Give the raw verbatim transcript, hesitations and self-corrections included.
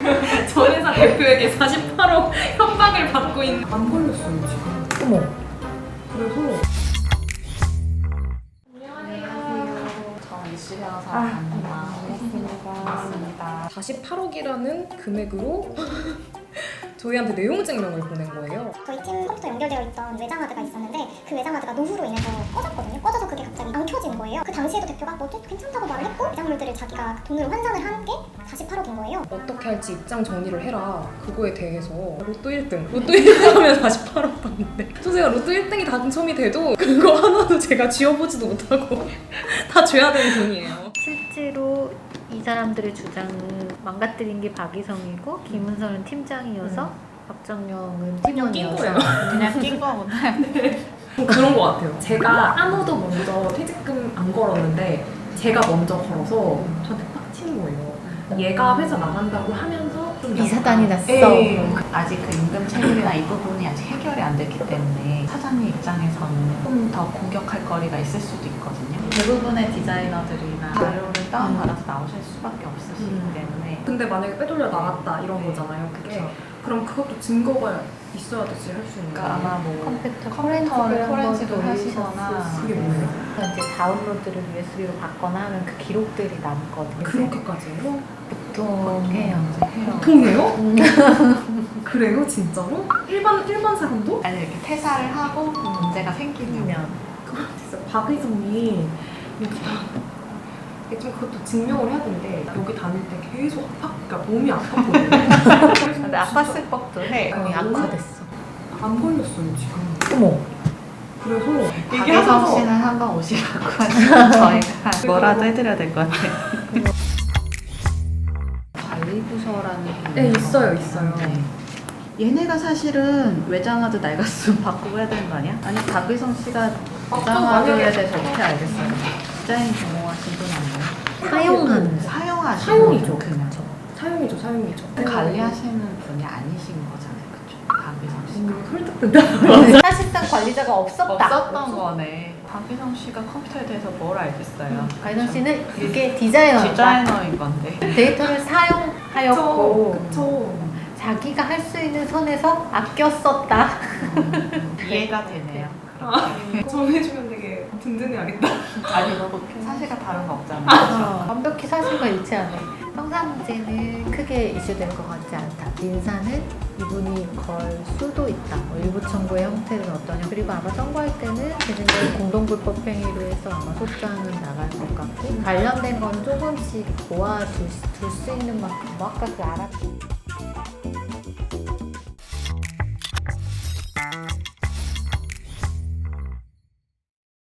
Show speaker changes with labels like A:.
A: 전 회사 대표에게 사십팔억 협박을 받고 있는. 안 걸렸어요 지금.
B: 어머.
A: 그래서
B: 아, 반갑습니다.
A: 사십팔억이라는 금액으로 저희한테 내용 증명을 보낸 거예요.
C: 저희 팀 컴퓨터 연결되어 있던 외장하드가 있었는데 그 외장하드가 노후로 인해서 꺼졌거든요. 꺼져서 그게 갑자기 안 켜진 거예요. 그 당시에도 대표가 뭐 괜찮다고 말을 했고 외장물들을 자기가 돈으로 환산을 한 게 사십팔억인 거예요.
A: 어떻게 할지 입장 정리를 해라. 그거에 대해서 로또 일 등. 로또 일 등 하면 사십팔억 받는데 저 제가 로또 일 등이 당첨이 돼도 그거 하나도 제가 쥐어보지도 못하고 다 줘야 되는 돈이에요.
B: 실제로 이 사람들의 주장은 망가뜨린 게 박이성이고 김은서는 팀장이어서
A: 음.
B: 박정영은
A: 그냥 낀
B: 팀원이어서
A: 거예요.
B: 그냥 낀 거구나.
A: 그런 것 같아요. 제가 아무도 먼저 퇴직금 안 걸었는데 제가 먼저 걸어서 저한테 빡치는 거예요. 얘가 회사 나간다고 하면서 좀
B: 이사단이
A: 약간-
B: 났어.
A: 예.
D: 아직 그 임금 체불이나 이 부분이 아직 해결이 안 됐기 때문에 사장님 입장에서는 좀 더 공격할 거리가 있을 수도 있거든요. 대부분의 디자이너들이나 자료를 다운받아서 나오실 수밖에 없으시기
A: 음.
D: 때문에
A: 근데 만약에 빼돌려 나갔다 이런 거잖아요. 그게
D: 그쵸.
A: 그럼 그것도 증거가 있어야 되지 할 수 있는
D: 그러니까
A: 거예요.
D: 아마 뭐
B: 컴퓨터
D: 컴퓨터를
B: 포렌식을
D: 포렌식을
B: 한번
D: 하시거나
B: 돌리셨을
A: 그게
B: 수도
A: 뭐예요?
B: 있어요. 이제 다운로드를 유에스비로 받거나 하면 그 기록들이 남거든요.
A: 그렇게까지 해요?
B: 보통 해요.
D: 이제 해요.
A: 보통 해요? 그래요? 진짜로? 일반 일반 사람도?
D: 아니 이렇게 퇴사를 하고 문제가 생기면
A: 그거 진짜 박의성이 여기다 이게 좀 그것도 증명을 해야 되는데 여기 다닐 때 계속 아파, 그러니까 몸이 아팠거든요.
D: 근데 아팠을 법도 해.
B: 거의 악화됐어.
A: 안 걸렸어요 지금.
B: 어머.
A: 그래서
D: 박예성 씨는 한번 오시라고 하시면 저희가 뭐라도 해드려야 될 것 같아요. 관리부서라는 게
A: 네 있어요 있어요.
D: 네. 얘네가 사실은 외장하드 낡았으면 바꾸고 해야 되는 거 아니야? 아니 박의성 씨가 외장하드에 대해서 어떻게 알겠어요? 디자인 전공하신 분 아니에요?
B: 사용하는
D: 사용하시는
A: 사용이죠.
D: 그냥
A: 사용이죠 사용이죠.
D: 관리하시는 분이 아니신 거잖아요, 그쵸? 박의성 씨가
A: 음, 설득된다.
B: 사실상 관리자가 없었다.
D: 없었던 거네. 박의성 씨가 컴퓨터에 대해서 뭘 알겠어요?
B: 박이성 씨는 이게 디자이너다.
D: 디자이너인 건데.
B: 데이터를 사용하였고
A: 그쵸.
B: 자기가 할 수 있는 선에서 아껴 썼다.
D: 이해가 되네요.
A: 아, 정해주면 되게 든든해야겠다.
D: 아니 뭐 사실과 다른 거 없잖아요.
B: 어, 완벽히 사실과 일치하네. 형사 문제는 크게 이슈될 것 같지 않다. 민사는 이분이 걸 수도 있다. 뭐 일부 청구의 형태는 어떠냐. 그리고 아마 선고할 때는 제 생각에 공동불법 행위로 해서 아마 소장은 나갈 것 같고 관련된 건 조금씩 모아둘 수 있는 만큼 뭐 아까 그 알았.